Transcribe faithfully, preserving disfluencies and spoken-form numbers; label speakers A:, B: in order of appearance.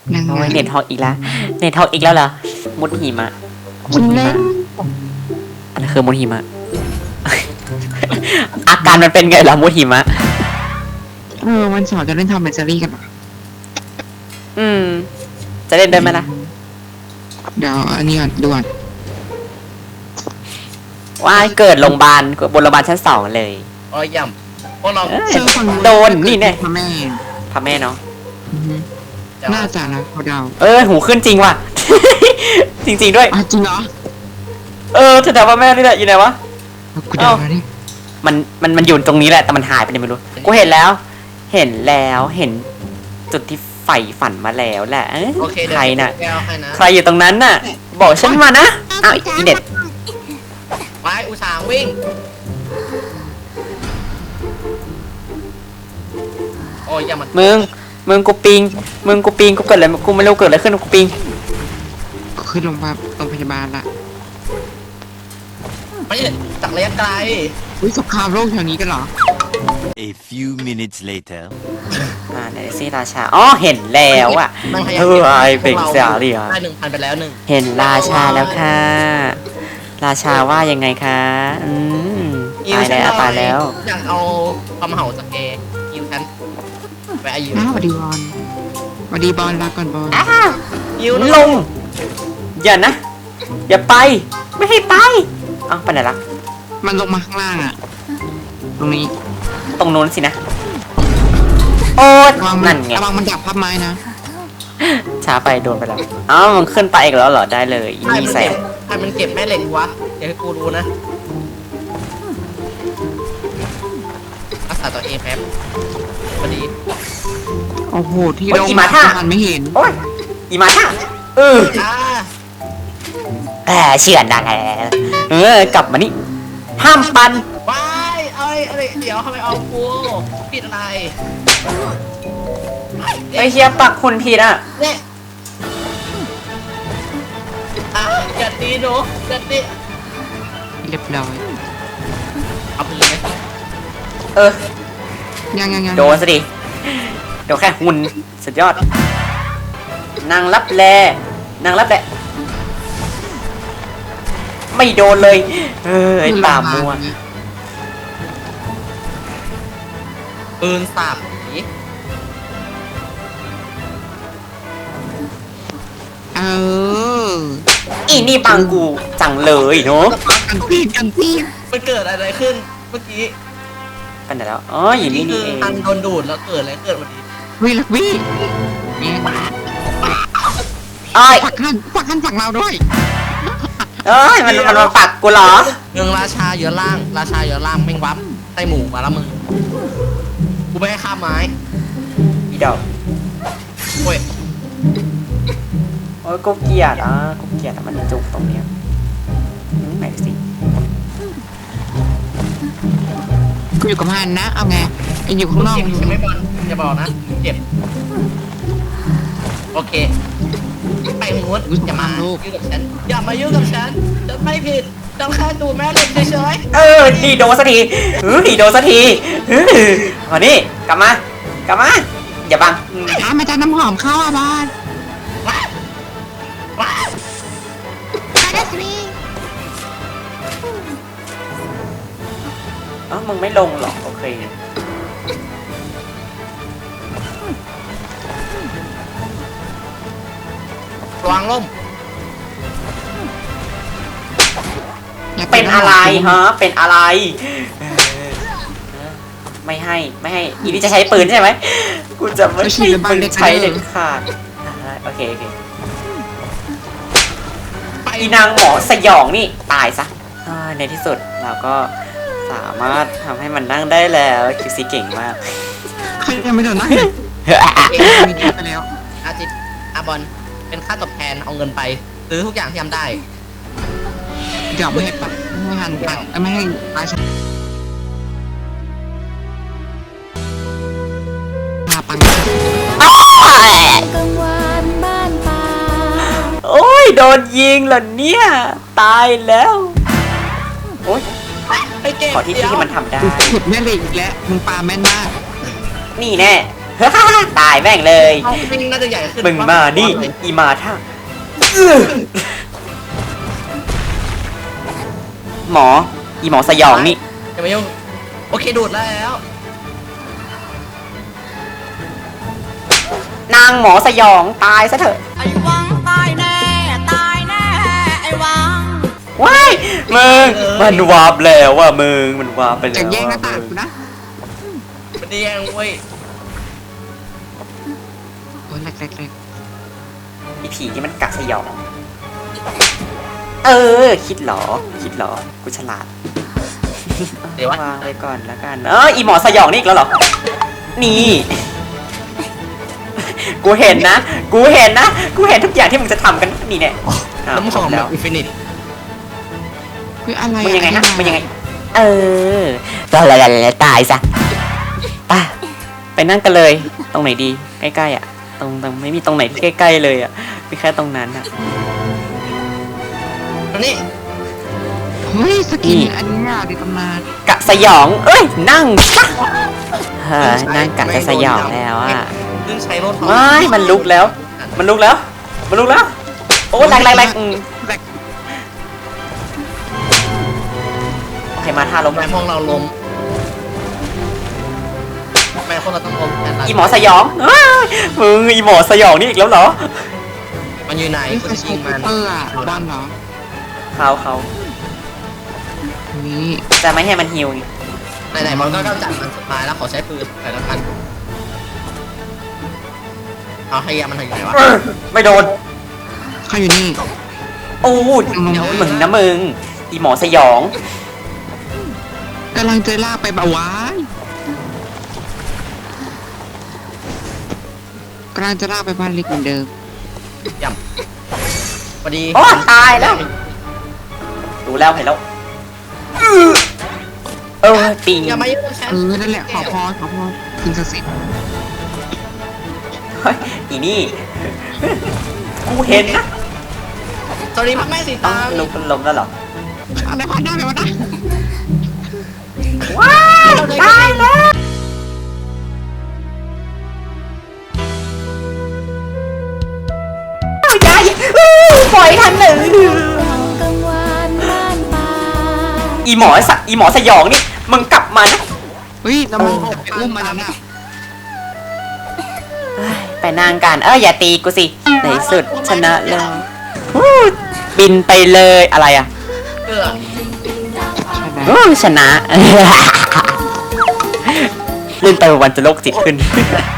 A: ยังไง
B: โอ้ยเน็ตฮอกอีกแล้วเน็ตฮอกอีกแล้วเหรอมุดหิมะมุดหิมะอันนั้นคือมุดหิมะ อาการมันเป็นไงล่ะมุดหิมะ
A: เออวันเสาร์จะเล่นทอมแอนด์เจอรี่กันเหรอ
B: อืม จะเล่นได้ไหมล่ะ
A: เดี๋ยวอันนี้ก่อนดูก่อน
B: ว่ายเกิดโรงพยาบาลบนโรงพยาบาลชั้นสองเลย
C: โอ้ยย่ำพวกเรา
B: เอ้ย
A: เจอฝั่ง
B: โดนนี่แน่
A: พ่อแม่
B: พระแม่เนาะ
A: อือฮึ
C: จะ
A: น่าจะนะเขาเดา
B: เออหูขึ้นจริงว่ะ จริงๆด้วย
A: อ่ะจริงเหรอ
B: เออแถวๆพระแม่นี่แหละอยู่ไหนวะ
A: เอากูเดาแล้วดิ
B: มันมันมันอยู่ตรงนี้แหละแต่มันหายไปไหนไม่รู้กูเห็นแล้ว เห็นแล้วเห็นจุดที่ใฝ่ฝันมาแล้วแหละเอ้ย
C: โอเคเดี๋ยว
B: ใครน่ะ
C: แก้วให้นะ
B: ใครอยู่ตรงนั้นน่ะ บอกฉันมานะอ้าวอีเน็ต
C: ไว้อุตส่าห์วิ่งโอ้ยอย่ามัน
B: มึงมึงกูปิงมึงกูปิงกูเกิดอะไรกูไม่รู้เกิดอะไรขึ้นกูปิง
A: กูขึ้นโรงพยาบาลโรงพยาบาลละ
C: ไม่ใช่จากระยะไกล
A: อุ้ยสงครามโลกแถวนี้กันเหรอ
D: A few minutes later.
B: อ่าไหนซี่ราชาอ๋อเห็นแล้วอ่ะ
C: มันพยายา
B: เอ
C: ม
B: อไอ
C: ก็บ
B: เป็นเสียเรีย
C: ได้หนึ่งพันไปแล้วหนึ่ง
B: เห็นราชาแล้วค่ะ ราชาว่ายังไงคะอืมตายแล้วตายแล้ว
C: อยากเอาความเห่าสเกย์ยิวฉันไปอายุ
A: อ้าวสวัสดีบอลสวัสดีบอลลาก่อนบอล
C: ยิว
B: ลง อย่านะ อย่าไป ไม่ให้ไปเอ้าไปไหนละ
A: มันลงมาข้างล่างอ่ะ ตรงนี้
B: ตรงนู้นสินะ โอ๊ย
A: ระวังมั
B: นั่นไง
A: ระวังมันดับพับไม้นะ
B: ช้าไปโดนไปแล้วเอ้ามันขึ้นไปอีกแล้วเหรอได้เลยอี
C: ใคร
B: นี่
C: มัน
B: แส
C: เก็
B: บบ
C: ใครมันเก็บแม่เหล็กวะเดี๋ยวให้กูรู้นะรักษาตัวเองแป๊บพอดี
A: โอ้โห ที่
B: โอ๊ย
A: ลง
B: อีห
A: มา
B: มาท่า
A: มันไม่เห็น
B: โอ๊ยอีมาท่าเออ
C: อ่า
B: แหมเชื่อดังแล้วเออกลับมานี่ ห้ามปัน
C: ว้ายเอ้ยเอ้ยเดี๋ยวทำไมเอากูผิดอะไร
B: ไอเฮียปักคุณผิดอ่ะ
C: เนี่ยอ่ะอย่าตีหนูอย่าตี
A: เรียบร้อย
C: เอาไปเลย
B: เออ
A: ยังยังยัง
B: โดนซะดิเดี๋ยวแค่หุ่นสุดยอด นางรับแล นางรับแล ไม่โดนเลย เออไอ้ป่ามัว
C: ปืนสาบผี
A: เออ
B: อีนี่ปังกูจังเลยเนาะ
A: กันตีกันตี
C: มันเกิดอะไรขึ้นเมื่อกี้
B: ไปไหนแล้ว อ๋อ อยู่นี่นี่
C: คื
B: เอง
C: ทันโดนดูดแล้วเกิดอะไรเกิดวันนี้
A: วิลักวิเนี่ย
B: อ้อย
A: ปักหันปักหันฝั่งเราด้วย
B: เอ้ย มันมันมาปักกูเหรอ
C: เมืองราชาเยอะล่าง ราชาเยอะล่างแม่งวับไส้หมูมาแล้วมึงกูไม่ให้ข้ามไม้
B: อีดอก
C: โอ้ย
B: โอ้ยกูเกลียดอ่ะกูเกลียดอ่ะมันจุกตรงเนี้ยอืมไหนดูสิ
A: กูอยู่กับฮันนะ เอาไงไออยู่ข้างนอก
C: เจ็บใช่ไหมบอลอย่าบอกนะเจ็บโอเคไปมูดอย่ามายุ่งกับฉันอย่ามายุ่งกับฉันฉันไม่ผิดฉันแค่ดูแม่เหล็กเฉย
B: เออดีโดนสักทีเฮ้ยโดนสักทีเฮ้ยมานี่กลับมา กลับมา อย่าบังอืม
A: อ่ะมาจากน้ำหอมเข้าอ่ะบอล
C: ๆว้าว้า
B: เอ้ามึงไม่ลงหรอ โอเค
C: ระวังล่ม
A: ย่า
B: เป็นอะไรฮะ เป็นอะไรเออไม่ให้ ไม่ให้ อีนี่จะใช้ปืนใช่ไหม กูจะไม่ให้ปืนใช้เด็ดขาดอ่าโอเค โอเค
C: ไป
B: อีนางหมอสยองนี่ ตายซะอ่าในที่สุดเราก็สามารถทำให้มันนั่งได้แล้วคิวซีเก่งมาก
A: ใครยังไม่โดนนะมีเดียไปแล้ว
C: อาจิตอาบอลเป็นค่าตอบแทนเอาเงินไปซื้อทุกอย่างที่ทำได้
A: เดี๋ยวไม่ให้ปักไม่ให้ฮันปักไม่ให้ปลาชาพาปัง
E: กลางวันบ้านป่า
B: โอ้ยโดนยิงเหรอเนี่ย ตายแล้ว โอ้ย
C: ไปเก็บ
B: ขอที่ที่ที่มันทำได้
A: ขุดแม่เหล็กอีกแล้วมึงปลาแม่นมาก
B: นี่แน่ตายแม่งเลย
C: ห้องวิ่งน่าจะใหญ่ขึ้น
B: มึงมานี่อีมาท่าอื้อหมออีหมอสยองนี่
C: อย่ามายุ่งโอเคดูดแล้ว
B: นางหมอสยองตายซะเถอะ
E: ไอ้วังตายแน่ ตายแน่ ไอ้วัง
B: ว้ายมึงมันวาบแล้วว่ะมึงมันวาบไปแล้ว
A: จะแย่งหน้าต่างกูนะ
C: มันแย่งเว้ย
A: โอ้ยแรกแรกแรก
B: อีผีที่มันกัดสยอง เออ คิดเหรอ คิดเหรอ กูฉลาด
C: เดี๋ยววะ
B: วางไว้ก่อนแล้วกัน เอออีหมอสยองนี่อีกแล้วเหรอ นี่ กูเห็นนะ กูเห็นนะ กูเห็นทุกอย่างที่มึงจะทำกันนี่เนี่ยอ้าว
C: น้ำหอม
B: แล้
C: แบบ
B: ว
C: อินฟินิต
A: คืออะไร
B: มึงยังไง
A: อ
B: นะ
A: ธิบา
B: มึงยังไง เออตายแล้วตายซะไปไปนั่งกันเลย ตรงไหนดี ใกล้ๆอ่ะ ตรงตรงไม่มีตรงไหนที่ใกล้ๆเลยอ่ะ มีแค่ตรงนั้นอ่ะ
C: อันนี้
A: เฮ้ยสกิน
B: นี่
A: อันเนี้ยในตำนาน
B: กะสยอง เอ้ย นั่งซะเฮ้ยนั่งกะจะสยองแล้วอ่ะ
C: เพิ่งใช้รถ
B: ไม่มันลุกแล้ว มันลุกแล้ว มันลุกแล้ว โอ้แรงแรงแรงอืม
A: แรก
B: โอเคมาท่าล้ม
C: แม่ห้องเราล้มแม่ห้องเราต้องล้มแต่ละ
B: อีหมอสยองเอ้ยมึงอีหมอสยองนี่อีกแล้วเหรอ
C: มันอยู่ไหน
A: นี่
C: กู
A: คือ
C: จะ
A: โซ
C: ยิง
A: เป
C: มัน
A: อร์อ่ะบ้านเหรอ
B: เขาเขา
A: นี่
B: จะไม่ให้มันฮิวไง
C: ไหนๆมันก็กำจัดมันสุดท้ายแล้วขอใช้ปืนหน่อยแล้วกันเอาให้ยามันถึงไหนวะ
B: เออไม่โดน
A: เขาอยู่นี่
B: โอ้ยมึงนะมึง อีหมอสยอง
A: กำลังจะลากไปบาวายกำลังจะลากไปบ้านเล็กเหมือนเดิม
C: ย่ำพอดี
B: โอ้ตายแล้ว ดูแล้วเห็นแล้วอื้อเออปิง
C: อย่ามายุ่งกับฉัน
A: เออนั่นแหละขอพรขอพรคุณศักดิ์สิทธิ์
B: เฮ้ยอีนี่ กูเห็นนะ
C: สวัสดีพ่อแม่สี
B: ต้อ
C: ตาง
B: ลุกล้มแล้วเหรอ
A: อะไรพันหน้าไปวะนะ
B: ว้ายตายแล้วยายอื้อปล่อยทันหนึ่ง
E: กลางวันบ้านป่า
B: อีหมอสะอีหมอสยองนี่ มึงกลับมานะ
A: เฮ้ยเราจะไปอุ้มมันแล้วน่ะ
B: เฮ้ยไปนางกันเอออย่าตีกูสิ ในสุดชนะแล้ววู้บินไปเลยอะไรอ่ะ
C: เกือ
A: ใช่ไหม
B: วู้ชนะ เล่นไปวันจะโลกจิตขึ้น